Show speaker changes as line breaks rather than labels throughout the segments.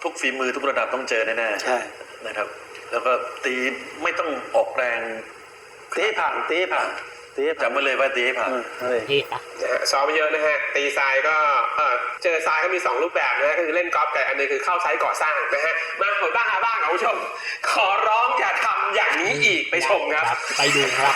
ทุกฝีมือทุกระดับต้องเจอแน่ๆใช่นะครับแล้วก็ตีไม่ต้องออกแรง
ตีผ่าน
จำไว้เลยว่าตีให้ผ่าน
ซ้อมเยอะนะฮะตีทรายก็เจอทรายก็มี2รูปแบบนะฮะก็คือเล่นกอล์ฟกับอันนึงคือเข้าไซต์ก่อสร้างนะฮะมาหมดบ้างหาบ้างคุณผู้ชมขอร้องอย่าทำอย่างนี้อีกไปชมครับ
ไปดูครับ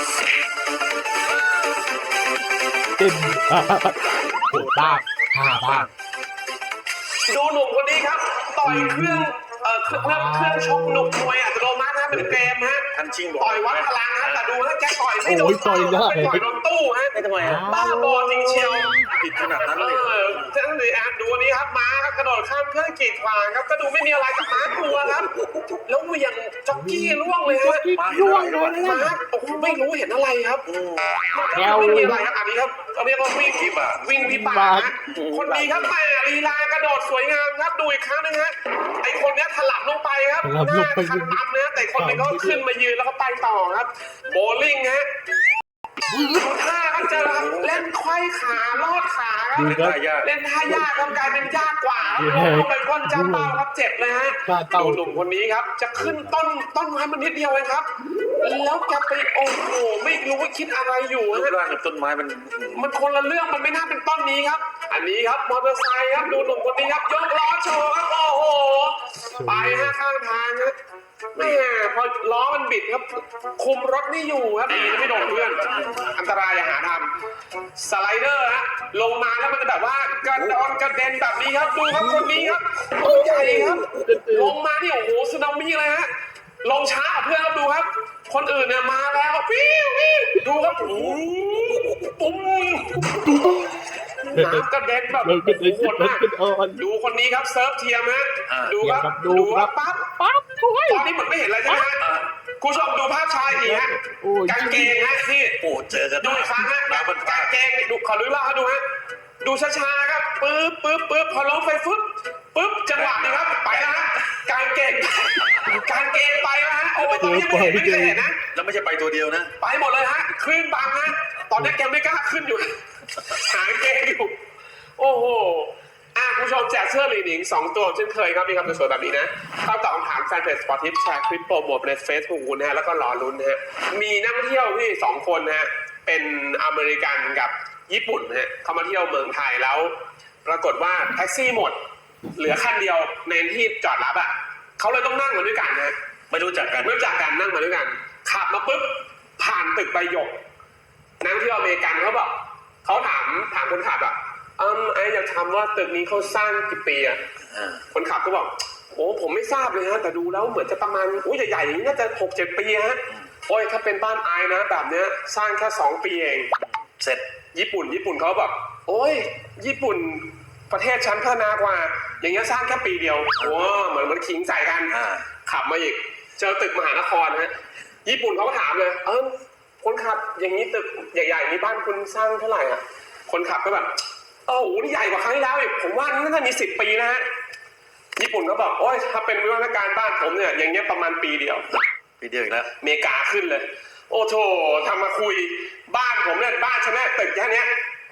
ตึ้มปวดบ้างบ้าง
ดูหนุ่มคนนี้ครับต่อยเครื่องชกหนุ่มมวยอัตโนมัตินะเป็นเกมฮะต่อยวัดพลังฮะแต่ดูฮะแกต่อยไม่โดนต่อยโดนตู้ฮะ
ไม่ทำไม
บ้าบอจริงเชียว
ผิดขนาดนั้นเลย
ท่านดูดูนี้ครับม้าครับกระโดดข้ามเครื่องกีดขวางครับก็ดูไม่มีอะไรกับม้ากลัวครับแล้วเหวี่ยงจ็อกกี้ล่วงเลยฮะ
ล่วงเลย
ม้าโอ้โหไม่รู้เห็นอะไรครับไม่มีอะไรครับอันนี้ครับเขาเรียกว่าวิ่งพิบากคนนี้ครับแม่ลีลากระโดดสวยงามครับดูอีกครั้งนึงฮะไอคนนี้ถลับลงไปครับหน้าคันตำนะแต่คนนี้ก็ขึ้นมายืนแล้วก็ไปต่อครับโบลิ่งฮะท่าครับจะเล่นไขว้ขาลอดขาครับเล่นท่ายากครับกลายเป็นยากกว่าลงไปก้นจ้าเป้าครับเจ็บเลยฮะดูหนุ่มคนนี้ครับจะขึ้นต้นไม้มันนิดเดียวเองครับแล้วแกไปโอ้โหไม่รู้ว่าคิดอะไรอยู่ฮะ
ร่างกับต้นไม้
มันคนละเรื่องมันไม่น่าเป็นต้นนี้ครับอันนี้ครับมอเตอร์ไซค์ครับดูหนุ่มคนนี้ครับยกล้อโชว์ครับโอ้โหไปฮะข้างทางครับแม่พอล้อมันบิดครับคุมรถไม่อยู่ครับดีนะไม่โดนเพื่อนอันตรายอย่าหาทำสไลเดอร์ฮะลงมาแล้วมันจะแบบว่ากระดอนกระเด็นแบบนี้ครับดูครับคนนี้ครับตัวใหญ่ครับลงมานี่โอ้โหสึนามิเลยฮะลงช้าเพื่อนครับดูครับคนอื่นเนี่ยมาแล้ววิวดูครับปุ้มน้ำกระเด็นแบบโหดมากดูคนนี้ครับเซิร์ฟเทียมฮะดูครับปั๊บตอนนี้เหมือนไม่เห็นอะไรใช่ไหมฮะคุณผู้ชมดูภาพชายอีกฮะกางเกงฮะที่
เจอกัน
ดูอีกครั้งฮะกางเกงดูขอรู้เล่าให้ดูฮะดูช้าๆครับปึ๊บพอล้มไฟปึ๊บจังหวะนี้ครับไปแล้วฮะกางเกงไปแล้วฮะโอ้ยตอนนี้ไม่เคยเห็นนะ
แล้วไม่ใช่ไปตัวเดียวนะ
ไปหมดเลยฮะคลื่นบังฮะตอนนี้แกไม่กล้าขึ้นอยู่หาเกงอยู่โอ้โหคุณผู้ชมแจกเสื้อลีนิง2ตัวเช่นเคยครับมีคำสวยๆแบบนี้นะเข้าตอบคำถามแฟนเพจสปอร์ตทิปแชร์คลิปโปรโมทใน Facebook คุณนะฮะแล้วก็รอลุ้นนะฮะมีนักท่องเที่ยวที่2คนนะฮะเป็นอเมริกันกับญี่ปุ่นนะฮะเขามาเที่ยวเมืองไทยแล้วปรากฏว่าแท็กซี่หมดเหลือคันเดียวในที่จอดรับเขาเลยต้องนั่งมาด้วยกันนะ
ไม่รู้จักกัน
นั่งมาด้วยกันขับมาปุ๊บผ่านตึกใบหยกนักท่องเที่ยวอเมริกันเขาถามคนขับไอ้อยากถามว่าตึกนี้เขาสร้างกี่ปีคนขับก็บอกโอ้ผมไม่ทราบเลยฮะแต่ดูแล้วเหมือนจะประมาณใหญ่ๆอย่างนี้น่าจะ 6-7 ปีฮะโอ้ยถ้าเป็นบ้านไอ้นะแบบเนี้ยสร้างแค่2 ปีเอง
เสร็จ
ญี่ปุ่นเขาบอกโอ้ยญี่ปุ่นประเทศชั้นพัฒนากว่าอย่างเงี้ยสร้างแค่ปีเดียวโอ้เหมือนขิงใส่กันขับมาอีกเจอตึกมหานครฮะญี่ปุ่นเขาก็ถามเลยคนขับอย่างนี้ตึกใหญ่ๆนี้บ้านคุณสร้างเท่าไหร่คนขับก็แบบโอ้โหนี่ใหญ่กว่าครั้งที่แล้วอีกผมว่าน่าจะมี10 ปีนะฮะญี่ปุ่นก็บอกโอ้ยถ้าเป็นวิวัฒนาการบ้านผมเนี่ยอย่างเงี้ยประมาณปีเดียว
อีกแล้ว
เมกาขึ้นเลยโอ้โถทำมาคุยบ้านผมเนี่ยบ้านฉันเนี่ยตึกแค่นี้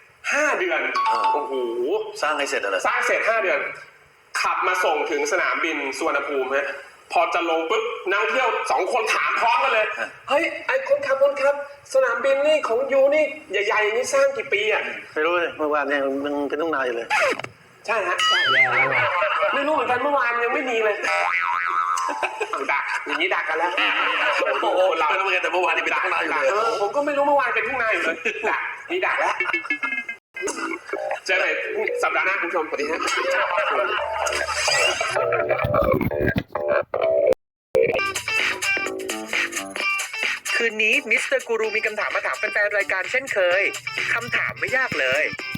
5 เดือนโอ้โห
สร้างให้เสร็จอะไร
สร้างเสร็จ5 เดือนขับมาส่งถึงสนามบินสุวรรณภูมิฮะพอจะลงปุ๊บนักท่องเที่ยว2 คนถามพร้อมกันเลยเฮ้ยไอ้คนขับสนามบินนี่ของยูนี่ใหญ่ๆนี่สร้างกี่ปี
ไม่รู้เลยเมื่อวานเนี่ยมันเป็นต้องนานอยู่เลย
ใช่ฮะไม่รู้เหมือนกันเมื่อวานยังไม่มีเลยดักอย่างนี้ดักกันแล้ว
โอ้โหเราไม่รู้เหมือนกันแต่เมื่อวานนี่เป็นทุ่งนาอยู่เลย
ผมก็ไม่รู้เมื่อวานเป็นทุ่งนาอยู่เลยดักแล้วเจอกันสัปดาห์หน้าคุณผู้ชมสวัสดีฮะ
คืนนี้มิสเตอร์กูรูมีคำถามมาถามแฟนๆรายการเช่นเคยคำถามไม่ยากเลย